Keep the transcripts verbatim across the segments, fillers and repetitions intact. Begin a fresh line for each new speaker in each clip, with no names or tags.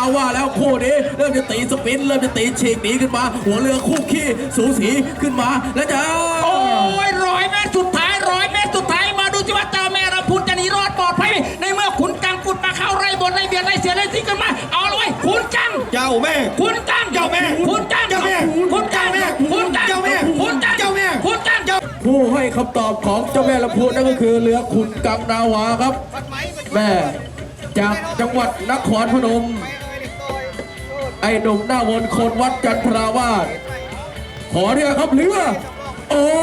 เราว่าแล้วคู่นี้เริ่มจะตีสปินเริ่มจะตีฉีกหนีขึ้นมาหัวเรือคู่ขี้สูสีขึ้นมาแล้วจะ
โอ้ยร้อยเมตรสุดท้ายร้อยเมตรสุดท้ายมาดูสิว่าเจ้าแม่ลำพูนจะหนีรอดปลอดภัยในเมื่อขุนกังกุดมาเข้าไร่บนไร่เบียดไร่เสียไร่ที่กันมาเอาเลยขุนกัง
เจ้าแม่
ขุนกัง
เจ้าแม่
ขุนกัง
เจ้าแม่
ขุนกังขุนกัง
เจ้าแม่
ขุนกัง
เจ้าแม่
ขุนกัง
ผู้ให้คำตอบของเจ้าแม่ลำพูนนั่นก็คือเรือขุนกังนาวาครับแม่จากจังหวัดนครพนมไอ้หนุ่มหน้ามนต์คนวัดจันทราวาสขอเรียกครับเรือโอ้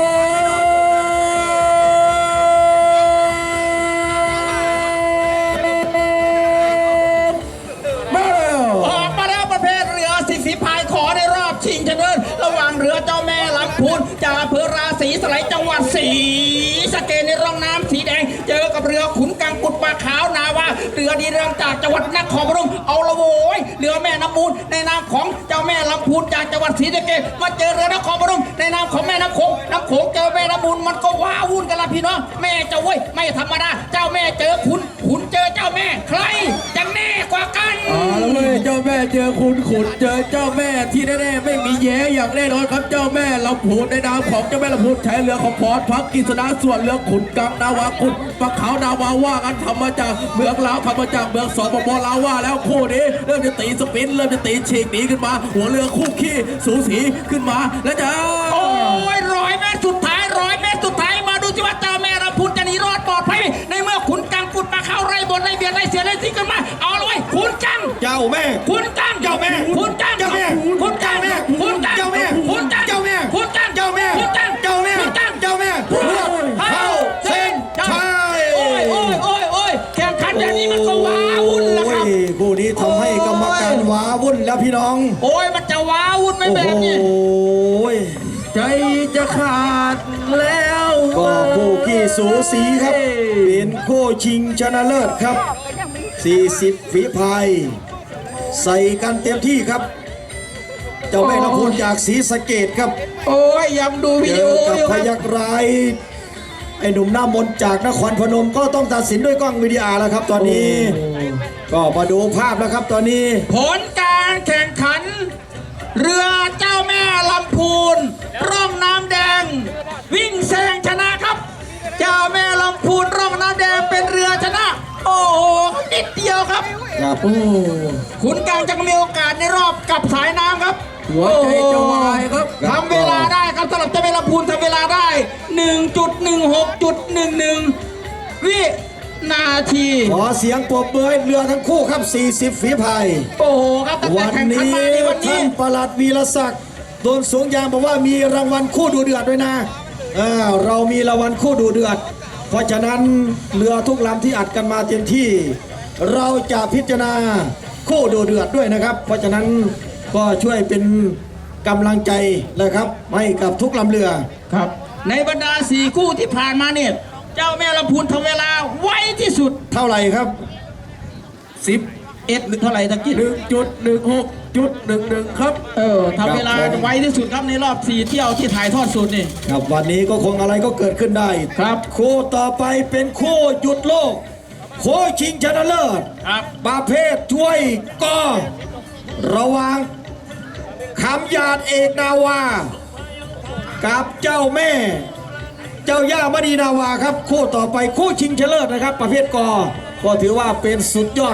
มาแล้ว
ออกมาแล้วประเภทเรือสิบฝีพายขอในรอบชิงชนะเลิศระหว่างเรือเจ้าแม่ลำพูนจากอำเภอราศีสไลจังหวัดศรีสะเกษในร่องน้ำสีแดงเจอกับเรือขุนกังกุดปลาขาวนาวาเรือดีเรืองจากจังหวัดนครพนมเอาละโวยเรือแม่น้ำมูลในนามของเจ้าแม่ลำพูนจากจังหวัดศรีสะเกษมาเจอเรือนครพนมในนามของแม่น้ำโขงน้ำโขงเจอแม่น้ำมูลมันก็ว้าวุ่นกันละพี่น้องแม่เจ้าเว้ยไม่ธรรมดาเจ้าแม่เจอขุนขุนเจอเจ้าแม่ใครจะแน่กว่ากัน
เอาละเว้ยเจ้าแม่เจอขุนขุนเจอเจ้าแม่ที่แน่ๆไม่มีแย้อย่างแน่นอนครับเจ้าแม่ลำพูนในนามของเจ้าแม่ลำพูนใช้เรือของพรพักกิษณะส่วนเรือขุนกังนาวาขุนปะขาวนาวาว่ากันทำมาจากเมืองลาวทำมาจากเมืองสปปลาวว่าแล้วคู่นี้เริ่มจะตีสปินเริ่มจะตีฉีกหนีขึ้นมาหัวเรือคู่ขี้สูสีขึ้นมาแล้วจะ
โอ้ยร้อยเมตรสุดท้ายร้อยเมตรสุดท้ายมาดูสิว่าเจ้าแม่ลำพูนจะหนีรอดปลอดภัยในเมื่อขุนกังกุดมาเข้าไร่บนไร่เบียดไร่เสียไร่ที่กันมาเอาเลยขุนกัง
เจ้าแม่
ขุนกัง
เจ้าแม่
ขุนกัง
เจ้าแม่
ขุนกังขุนกัง
เจ้าแม่
ขุนกัง
เจ้าแม่
ขุนกัง
เจ้าแม่
ขุนกัง
เจ้าแม่
ขุนกัง
เจ้าแม่เข้าเส้นชัย
โอ้ยโอ้ยโอ้ยโอ้ยแข่งขันอย่างนี้มันก็ว้าวุ่นแล้วครับ
คู่นี้ทำให้กรรมการว้าวุ่นแล้วพี่น้อง
โอ้ยมันจะว้าวุ่นไหมแบบนี้
โอ้ย
ใจจะขาดแล้ว
ก็คู่ขี้สูสีครับเป็นคู่ชิงชนะเลิศครับสี่สิบฝีพายใส่กันเต็มที่ครับเจ้าแม่ลำพูนจากศรีสะเกษครับ
โอ้ยยังดูวิดีโอ
กับพยักร้ายไอ้หนุ่มหน้ามนจากนครพนมก็ต้องตัดสินด้วยกล้องวิดีโอแล้วครับตอนนี้ก็มาดูภาพแล้วครับตอนนี้
ผลการแข่งขันเรือเจ้าแม่ลำพูนร่องน้ำแดงวิ่งแซงชนะครับเจ้าแม่ลำพูนร่องน้ำแดงเป็นเรือชนะโอ้โหนิดเดียวครับ
ครับ
ขุนกังจะมีโอกาสในรอบกับสายน้ำครับ
หัวใจจะวายครับ
ทำเวลาได้ครับสำหรับเจ้าแม่ลำพูนทำเวลาได้ หนึ่งจุดหนึ่งหกจุดหนึ่งหนึ่ง วินาที
ขอเสียงปรบมือให้เรือทั้งคู่ครับสี่สิบฝีพาย
โอ้โหครับตั้งแต่แข่งขันมาในวันนี้
ท่านปลัดวีรศักดิ์โดนสูงยางบอกว่ามีรางวัลคู่ดูเดือดด้วยนะเรามีรางวัลคู่ดูเดือดเพราะฉะนั้นเรือทุกลำที่อัดกันมาเต็มที่เราจะพิจารณาคู่ดูเดือดด้วยนะครับเพราะฉะนั้นก็ช่วยเป็นกำลังใจนะครับให้กับทุกลำเรือ
ครับในบรรดาสี่คู่ที่ผ่านมาเนี่ยเจ้าแม่ลำพูนทำเวลาไวที่สุด
เท่าไหร่ครับ
สิบ
เอ็ดหรือเท่าไหร่ตะกี้
หนึ่งจุดหนึ่งหกจุดหนึ่งหนึ่งครับ
เออทำเวลาไวที่สุดครับในรอบสี่เที่ยวที่ถ่ายทอดสดนี่
ครับวันนี้ก็คงอะไรก็เกิดขึ้นได้
ครับ
คู่ต่อไปเป็นคู่หยุดโลกโค้ชชิงชนะเลิศ
ครับ
ประเภทช่วยก็ระวังคำหยาดเอกนาวากับเจ้าแม่เจ้าย่ามณีนาวาครับคู่ต่อไปคู่ชิงชนะเลิศนะครับประเภทกอก็ถือว่าเป็นสุดยอด